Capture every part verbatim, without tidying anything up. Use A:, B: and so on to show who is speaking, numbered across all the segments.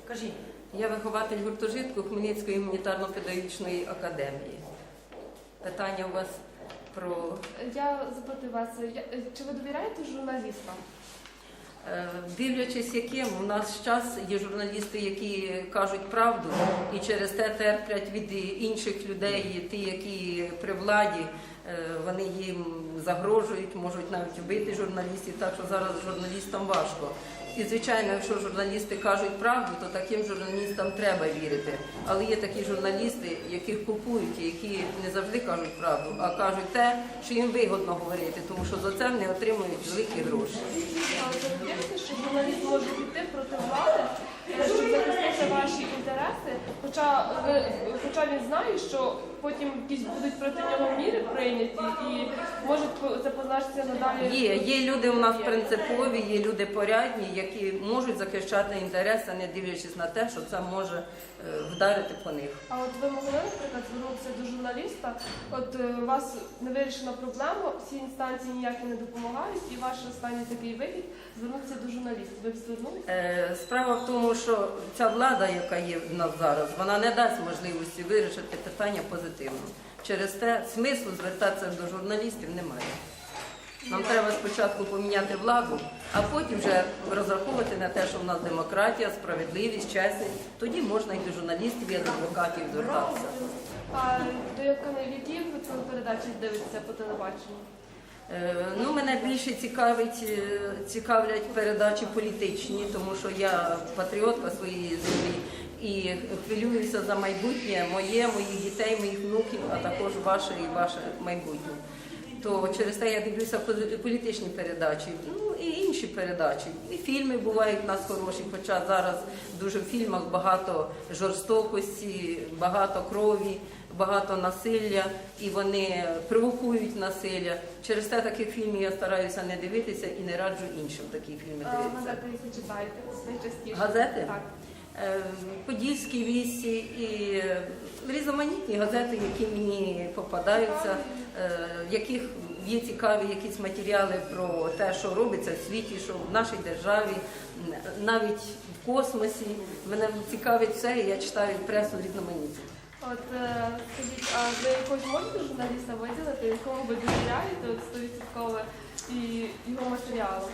A: Кажіть.
B: Я вихователь гуртожитку Хмельницької гуманітарно-педагогічної академії. Питання у вас про...
C: Я запитую вас, я- чи ви довіряєте журналістам?
B: Е, Дивлячись яким, у нас час є журналісти, які кажуть правду і через те терплять від інших людей, ті, які при владі, е, вони їм загрожують, можуть навіть вбити журналістів, так що зараз журналістам важко. І, звичайно, якщо журналісти кажуть правду, то таким журналістам треба вірити. Але є такі журналісти, яких купують, і які не завжди кажуть правду, а кажуть те, що їм вигодно говорити, тому що за це вони отримують великі гроші.
C: А ви вірите, що журналіст може піти проти влади, е, щоб захистити ваші інтереси, хоча, ви, хоча він знає, що потім якісь будуть проти нього міри прийняті і може це позначитися надалі?
B: Є, є люди у нас принципові, є люди порядні, які можуть захищати інтереси, не дивлячись на те, що це може е, вдарити по них.
C: А от ви могли, наприклад, звернутися до журналіста, от е, у вас не вирішена проблема, всі інстанції ніякі не допомагають, і ваш останній такий вихід – звернутися до журналіста. Ви б звернулися?
B: Е, Справа в тому, що ця влада, яка є в нас зараз, вона не дасть можливості вирішити питання позитивно. Через те смислу звертатися до журналістів немає. Нам треба спочатку поміняти владу, а потім вже розраховувати на те, що в нас демократія, справедливість, чесність. Тоді можна і до журналістів, і до адвокатів звертатися.
C: А до яких ви телепередачі дивитеся по телебаченню?
B: Е, Ну, мене більше цікавить, е, цікавлять передачі політичні, тому що я патріотка своєї землі і хвилююся за майбутнє моє, моїх дітей, моїх внуків, а також ваше і ваше майбутнє. То через те я дивлюся політичні передачі, ну і інші передачі. І фільми бувають у нас хороші, хоча зараз дуже в фільмах багато жорстокості, багато крові, багато насилля, і вони провокують насилля. Через те таких фільмів я стараюся не дивитися і не раджу іншим такі фільми
C: А
B: дивитися.
C: газети, якщо читаєте, найчастіше?
B: Газети?
C: Так.
B: Е, Подільські вісті і е, різноманітні газети, які мені попадаються, е, в яких є цікаві якісь матеріали про те, що робиться в світі, що в нашій державі, м, навіть в космосі. Мене цікавить все, і я читаю пресу різноманітну.
C: От е, скажіть, а ви якогось можете журналіста виділити, якому ви довіряєте от сто відсотків і його матеріалам?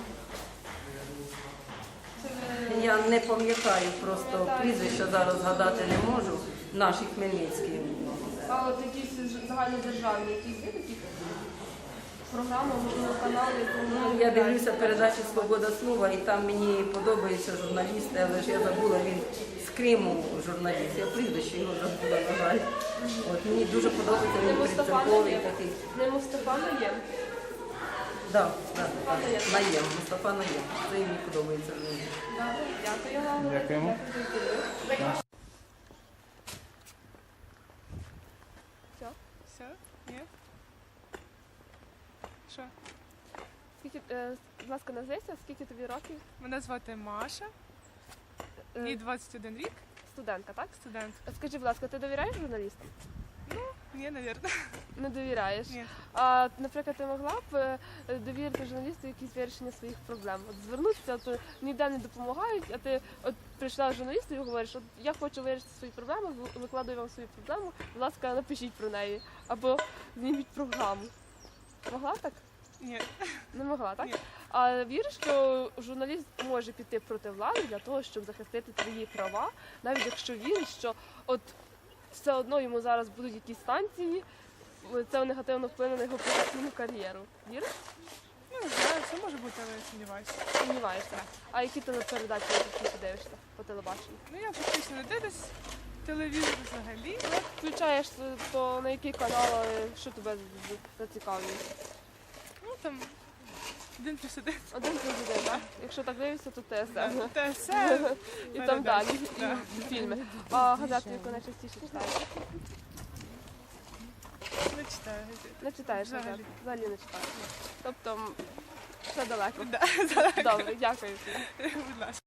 C: Чи ви-
B: Я не пам'ятаю просто
C: Пам'ятаю.
B: прізвища, зараз згадати не можу, наші хмельницькі.
C: А от якісь ж- загальнодержавні, якісь є такі програми, можливо, канали, якому ви
B: Ну, я
C: довіряєте?
B: дивлюся передачу «Свобода слова», і там мені подобаються журналісти, але ж я забула, він з Криму журналіст. Я прізвище його забула, на жаль. От, мені дуже подобається,
C: Не
B: він
C: Мустафа
B: принциповий
C: Наєм?
B: такий.
C: Не Мустафа Наєм?
B: Да, да.
C: Мустафа Наєм.
B: Наєм, Мустафа Наєм. Це мені подобається.
C: Добре, дякую вам.
D: Дякуємо.
C: Дякую. Все?
E: Все? Ні? Що?
C: Скільки, е, будь ласка, назвися, скільки тобі років?
E: Мене звати Маша,
C: Е,
E: мені двадцять один рік,
C: Студентка, так?
E: студент.
C: Скажи, будь ласка, ти довіряєш журналістам?
E: Ні, навірно.
C: Не довіряєш.
E: Ні.
C: А, наприклад, ти могла б е, довірити журналісту якісь вирішення своїх проблем? От звернутися, то ніде не допомагають, а ти от прийшла до журналіста і говориш, от я хочу вирішити свої проблеми, ви- викладаю вам свою проблему, будь ласка, напишіть про неї. Або зніміть програму. Могла так?
E: Ні.
C: Не могла, так?
E: Ні.
C: А віриш, що журналіст може піти проти влади для того, щоб захистити твої права, навіть якщо віриш, що от все одно йому зараз будуть якісь станції, це негативно вплине на його професійну кар'єру. Віриш?
E: Ну, не знаю, все може бути, але я сумніваюся.
C: Сумніваєшся. А які телепередачі ти дивишся по телебаченню?
E: Ну, я фактично не дивлюсь телевізор взагалі.
C: Ну, включаєш, то на який канал, е, що тебе з- зацікавлює?
E: Ну, там, один плюс один.
C: Один плюс один, так? Якщо так дивишся, то ТСН.
E: Та все.
C: І там далі,
E: Да.
C: і фільми. А газету, яку найчастіше читаєш?
E: Не читаю газети.
C: Не читаєш
E: Взагалі.
C: газет? Взагалі не читаєш. Тобто м, все далеко.
E: Да,
C: Добре, дякую.
E: будь ласка.